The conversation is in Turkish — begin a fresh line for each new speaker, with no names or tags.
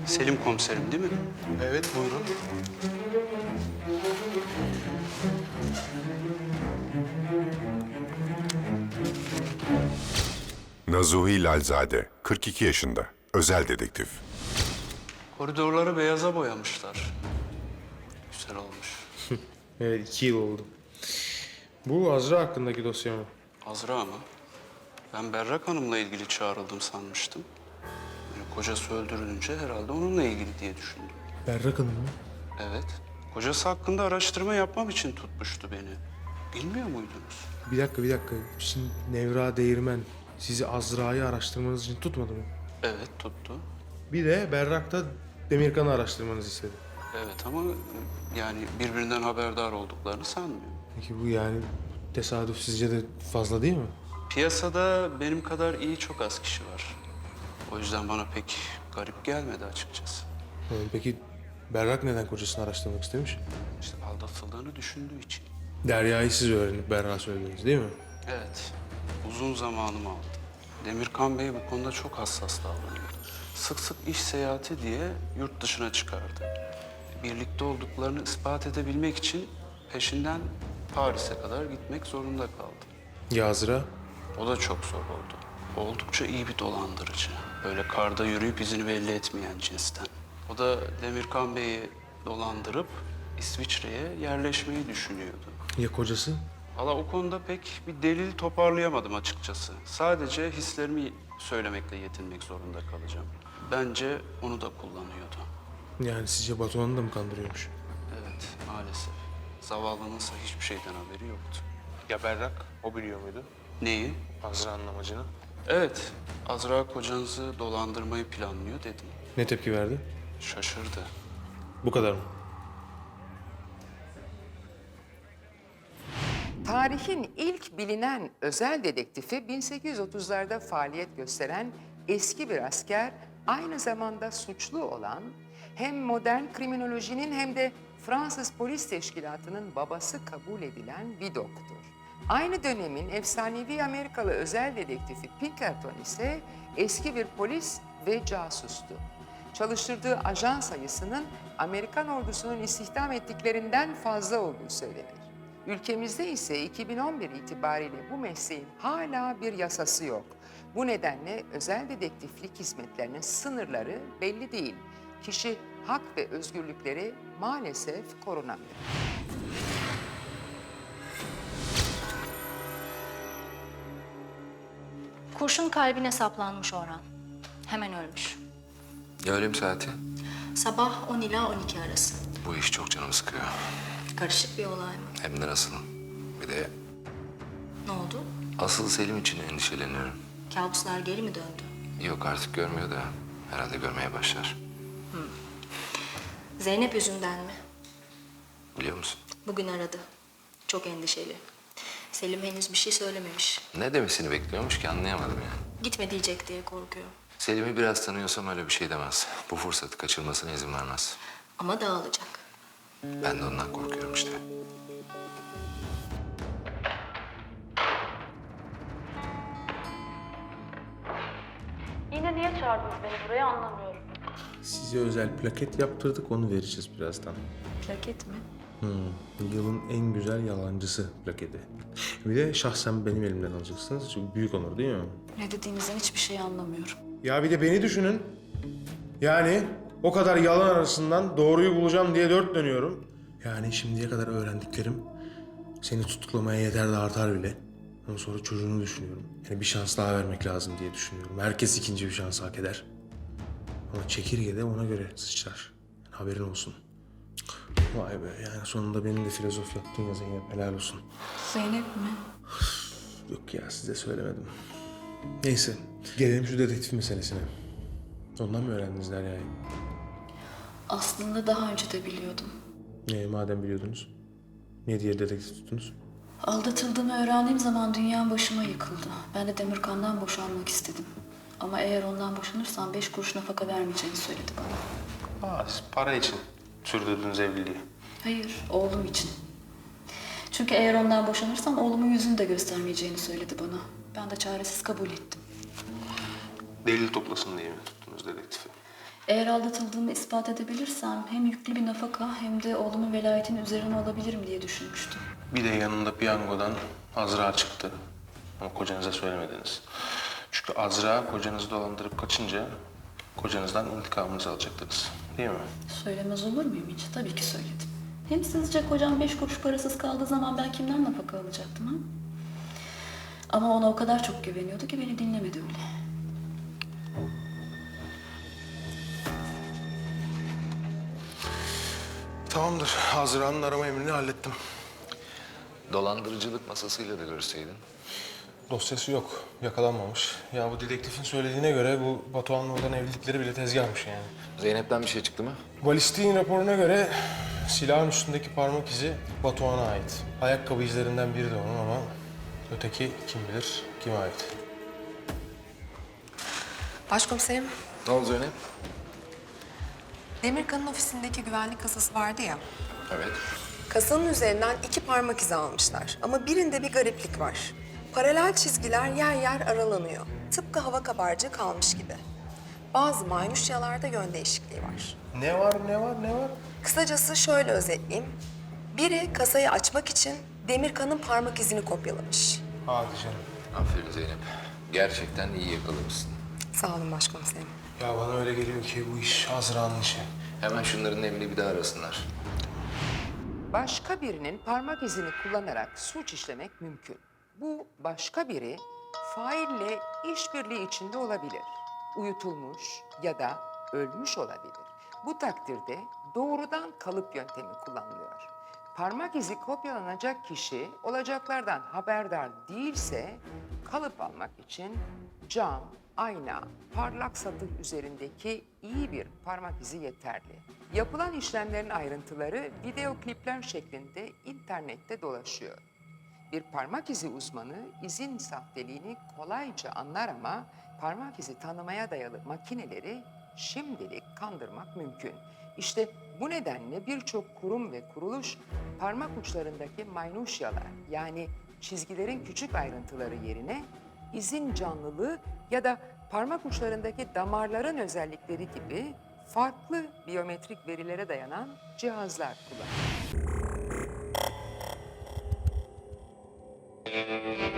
Selim komiserim değil mi?
Evet, buyurun.
Nazuhi Lalzade, 42 yaşında, özel dedektif.
Koridorları beyaza boyamışlar. Güzel olmuş.
Evet, 2 yıl oldu. Bu Azra hakkındaki dosya mı?
Azra mı? Ben Berrak Hanım'la ilgili çağrıldım sanmıştım. Yani kocası öldürülünce herhalde onunla ilgili diye düşündüm.
Berrak Hanım mı?
Evet. Kocası hakkında araştırma yapmam için tutmuştu beni. Bilmiyor muydunuz?
Bir dakika. Şimdi Nevra Değirmen sizi Azra'yı araştırmanız için tutmadı mı?
Evet, tuttu.
Bir de Berrak da Demirkan'ı araştırmanızı istedi.
Evet ama yani birbirinden haberdar olduklarını sanmıyorum.
Peki bu yani tesadüf sizce de fazla değil mi?
Piyasada benim kadar iyi çok az kişi var. O yüzden bana pek garip gelmedi açıkçası.
Peki Berrak neden kocasını araştırmak istemiş?
İşte aldatıldığını düşündüğü için.
Derya'yı siz öğrenip Berrak'a söylediniz değil mi?
Evet, uzun zamanımı aldı. Demirkan Bey bu konuda çok hassas davranıyordu. Sık sık iş seyahati diye yurt dışına çıkardı. Birlikte olduklarını ispat edebilmek için peşinden Paris'e kadar gitmek zorunda kaldı.
Ya Azra?
O da çok zor oldu. Oldukça iyi bir dolandırıcı. Böyle karda yürüyüp izini belli etmeyen cinsten. O da Demirkan Bey'i dolandırıp İsviçre'ye yerleşmeyi düşünüyordu.
Ya kocası?
Valla o konuda pek bir delil toparlayamadım açıkçası. Sadece hislerimi söylemekle yetinmek zorunda kalacağım. Bence onu da kullanıyordu.
Yani sizce Batuhan'ı da mı kandırıyormuş?
Evet, maalesef. Zavallınınsa hiçbir şeyden haberi yoktu.
Ya Berrak? O biliyor muydu?
Neyi?
Azra'nın amacını.
Evet, Azra kocanızı dolandırmayı planlıyor dedim.
Ne tepki verdi?
Şaşırdı.
Bu kadar mı?
Tarihin ilk bilinen özel dedektifi 1830'larda faaliyet gösteren eski bir asker, aynı zamanda suçlu olan hem modern kriminolojinin hem de Fransız Polis Teşkilatı'nın babası kabul edilen Vidoc'tur. Aynı dönemin efsanevi Amerikalı özel dedektifi Pinkerton ise eski bir polis ve casustu. Çalıştırdığı ajan sayısının Amerikan ordusunun istihdam ettiklerinden fazla olduğu söylenir. Ülkemizde ise 2011 itibariyle bu mesleğin hala bir yasası yok. Bu nedenle özel dedektiflik hizmetlerinin sınırları belli değil. Kişi hak ve özgürlükleri maalesef korunamıyor.
Kurşun kalbine saplanmış Orhan. Hemen ölmüş.
Ya ölüm saati?
Sabah 10 ila 12 arası.
Bu iş çok canımı sıkıyor.
Karışık bir olay mı?
Hem de nasıl? Bir de
Ne oldu?
asıl Selim için endişeleniyorum.
Kabuslar geri mi döndü?
Yok artık görmüyor da herhalde görmeye başlar.
Zeynep yüzünden mi?
Biliyor musun?
Bugün aradı. Çok endişeli. Selim henüz bir şey söylememiş.
Ne demesini bekliyormuş ki anlayamadım yani.
Gitme diyecek diye korkuyor.
Selim'i biraz tanıyorsam öyle bir şey demez. Bu fırsatı kaçırmasına izin vermez.
Ama dağılacak.
Ben de ondan korkuyorum işte.
Yine niye çağırdınız beni buraya anlamıyorum.
Size özel plaket yaptırdık, onu vereceğiz birazdan.
Plaket mi?
Yılın en güzel yalancısı plaketi. Bir de şahsen benim elimden alacaksınız. Çok büyük onur değil mi?
Ne dediğinizden hiçbir şey anlamıyorum.
Ya bir de beni düşünün. Yani o kadar yalan arasından doğruyu bulacağım diye dört dönüyorum. Yani şimdiye kadar öğrendiklerim seni tutuklamaya yeter de artar bile. Ondan sonra çocuğunu düşünüyorum. Yani bir şans daha vermek lazım diye düşünüyorum. Herkes ikinci bir şans hak eder. Ama çekirge de ona göre sıçrar. Yani haberin olsun. Vay be, yani sonunda benim de filozof yaptın ya Zeynep, helal olsun.
Zeynep mi?
Yok ya, size söylemedim. Neyse, gelelim şu dedektif meselesine. Ondan mı öğrendiniz Derya'yı?
Aslında daha önce de biliyordum.
Madem biliyordunuz, niye diğer dedektif tuttunuz?
Aldatıldığımı öğrendiğim zaman dünyam başıma yıkıldı. Ben de Demirkan'dan boşanmak istedim. Ama eğer ondan boşanırsam 5 kuruş nafaka vermeyeceğini söyledi bana.
Siz para için sürdürdünüz evliliği.
Hayır, oğlum için. Çünkü eğer ondan boşanırsam oğlumun yüzünü de göstermeyeceğini söyledi bana. Ben de çaresiz kabul ettim.
Delil toplasın diye mi tuttunuz dedektifi?
Eğer aldatıldığımı ispat edebilirsem hem yüklü bir nafaka hem de oğlumun velayetini üzerine alabilirim diye düşünmüştüm.
Bir de yanında piyangodan Azra çıktı. Ama kocanıza söylemediniz. Çünkü Azra kocanızı dolandırıp kaçınca kocanızdan intikamınızı alacaktınız. Değil mi?
Söylemez olur muyum hiç? Tabii ki söyledim. Hem sizce kocam 5 kuruş parasız kaldığı zaman ben kimden nafaka alacaktım ha? Ama ona o kadar çok güveniyordu ki beni dinlemedi bile.
Tamamdır. Azra'nın arama emrini hallettim.
Dolandırıcılık masasıyla da görüşseydin.
Dosyası yok. Yakalanmamış. Ya bu dedektifin söylediğine göre bu Batuhan'la olan evlilikleri bile tezgahmış yani.
Zeynep'ten bir şey çıktı mı?
Balistiğin raporuna göre silahın üstündeki parmak izi Batuhan'a ait. Ayakkabı izlerinden biri de onun ama öteki kim bilir kime ait.
Başkomiserim,
Ne oldu Zeynep?
Demirkan'ın ofisindeki güvenlik kasası vardı ya.
Evet.
Kasanın üzerinden 2 parmak izi almışlar. Ama birinde bir gariplik var. Paralel çizgiler yer yer aralanıyor. Tıpkı hava kabarcığı kalmış gibi. Bazı maynuşyalarda yön değişikliği var.
Ne var?
Kısacası şöyle özetleyeyim. Biri kasayı açmak için Demirkan'ın parmak izini kopyalamış.
Hadi canım.
Aferin Zeynep. Gerçekten iyi yakalamışsın.
Sağ olun başkomiserim.
Ya bana öyle geliyor ki bu iş Azra'nın işi.
Hemen şunların evini bir daha arasınlar.
Başka birinin parmak izini kullanarak suç işlemek mümkün. Bu başka biri faille işbirliği içinde olabilir. Uyutulmuş ya da ölmüş olabilir. Bu takdirde doğrudan kalıp yöntemi kullanılıyor. Parmak izi kopyalanacak kişi olacaklardan haberdar değilse kalıp almak için cam, ayna, parlak satır üzerindeki iyi bir parmak izi yeterli. Yapılan işlemlerin ayrıntıları video klipler şeklinde internette dolaşıyor. Bir parmak izi uzmanı izin sahteliğini kolayca anlar ama parmak izi tanımaya dayalı makineleri şimdilik kandırmak mümkün. İşte bu nedenle birçok kurum ve kuruluş parmak uçlarındaki maynuşyalar yani çizgilerin küçük ayrıntıları yerine izin canlılığı ya da parmak uçlarındaki damarların özellikleri gibi farklı biyometrik verilere dayanan cihazlar kullanıyor.